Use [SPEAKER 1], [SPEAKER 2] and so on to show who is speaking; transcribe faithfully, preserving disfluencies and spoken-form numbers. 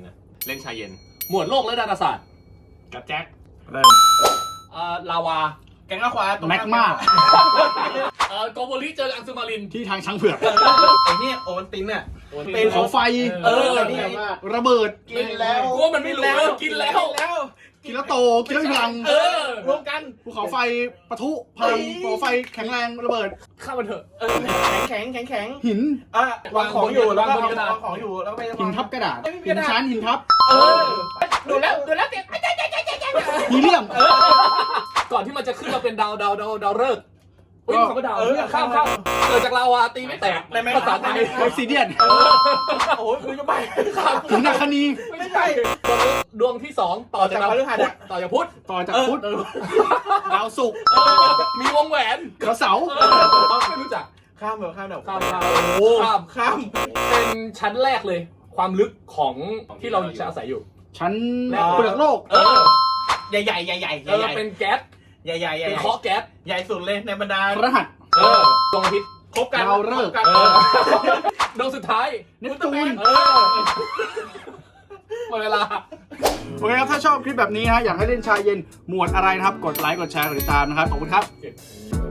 [SPEAKER 1] นะเล่นชายเย็นหมวดโลกและดาราศาสตร์
[SPEAKER 2] กับแจ็ค
[SPEAKER 3] เริ่ม
[SPEAKER 1] อ่าลาวา
[SPEAKER 2] แกงข้าวขวา
[SPEAKER 3] แม็กมา
[SPEAKER 1] เอ่อโกโบริเจออังซูมาริน
[SPEAKER 3] ที่ทางช้างเผือก
[SPEAKER 2] ไอ้นี่โอวันตินน่ะ
[SPEAKER 3] ภูเขาไฟ
[SPEAKER 1] เออ
[SPEAKER 2] นี่
[SPEAKER 3] ระเบิด
[SPEAKER 2] กินแล้ว
[SPEAKER 1] กูว่ามันไม่รู้แล้วกินแล้ว
[SPEAKER 2] แล้ว
[SPEAKER 3] กินแล้วโตกินแล้วมีพลัง
[SPEAKER 1] เออ
[SPEAKER 2] รวมกัน
[SPEAKER 3] ภูเขาไฟปะทุพลังภูเขาไฟแข็งแรงระเบิด
[SPEAKER 1] ข้ามมันเถอะ
[SPEAKER 2] เออแข็งแข็งแข็งแข็ง
[SPEAKER 3] หิน
[SPEAKER 2] อ่ะวางของอยู่แล้วก็
[SPEAKER 1] วางบนกระดาษ
[SPEAKER 2] วางของอยู่แล้วก็ไป
[SPEAKER 3] หินทับกระดาษ
[SPEAKER 2] ไม่มีก
[SPEAKER 3] หิ
[SPEAKER 2] ระ
[SPEAKER 3] น
[SPEAKER 2] ดาษ
[SPEAKER 3] ชั้นหินทับ
[SPEAKER 2] เออดูแล้วดูแล้วเจ็บ
[SPEAKER 3] ฮีเลียม
[SPEAKER 1] ก่อนที่มันจะขึ้นมาเป็นดาวดาวดาวดาวฤกษ์เฮ้ย
[SPEAKER 3] ก็
[SPEAKER 1] คำว่าดาวเนี่ยข้ามข้ามเกิดจากลาวาตีไม่แตกภาษาไทย
[SPEAKER 3] ออซิเดียน
[SPEAKER 2] โอ้โหคือจะไป
[SPEAKER 3] หินนาคานี
[SPEAKER 1] ไม่ใช่ดวงที่สองต่อจากดาว
[SPEAKER 2] ต่อจากพฤหัส
[SPEAKER 1] พุธต่อจากพุธ
[SPEAKER 3] ต่อจากพุธดาวศุกร์
[SPEAKER 1] มีวงแหวน
[SPEAKER 3] ดาวเสาร์
[SPEAKER 1] ไม่รู้จัก
[SPEAKER 2] ข้ามแบบข้ามแบบ
[SPEAKER 1] ข้ามข้าม
[SPEAKER 2] โอ้
[SPEAKER 1] ข้าม
[SPEAKER 2] ข้าม
[SPEAKER 1] เป็นชั้นแรกเลย ความลึกของที่เราจะอาศัยอยู่
[SPEAKER 3] ชั้น
[SPEAKER 1] แล้ว
[SPEAKER 3] เปลือกโลก
[SPEAKER 1] เออ
[SPEAKER 2] ใหญ่ใหญ่ใหญ่ใหญ่
[SPEAKER 1] เออเป็นแก๊ส
[SPEAKER 2] ใหญ่ใหญ่ใหญ่
[SPEAKER 1] เป็นเคาะแก๊ส
[SPEAKER 2] ใหญ่สุดเลยในบรรดา
[SPEAKER 3] พระหัส
[SPEAKER 1] เออดวงอาทิตย์
[SPEAKER 2] ครบกัน
[SPEAKER 3] ดาวฤกษ์
[SPEAKER 2] คบกัน
[SPEAKER 1] เออดวงสุดท้าย
[SPEAKER 3] เนปจูน
[SPEAKER 1] เออหมดเวลา
[SPEAKER 3] โอเคครับถ้าชอบคลิปแบบนี้นะอยากให้เล่นชายเย็นหมวดอะไรนะครับกดไลค์กดแชร์กดติดตามนะครับขอบคุณครับ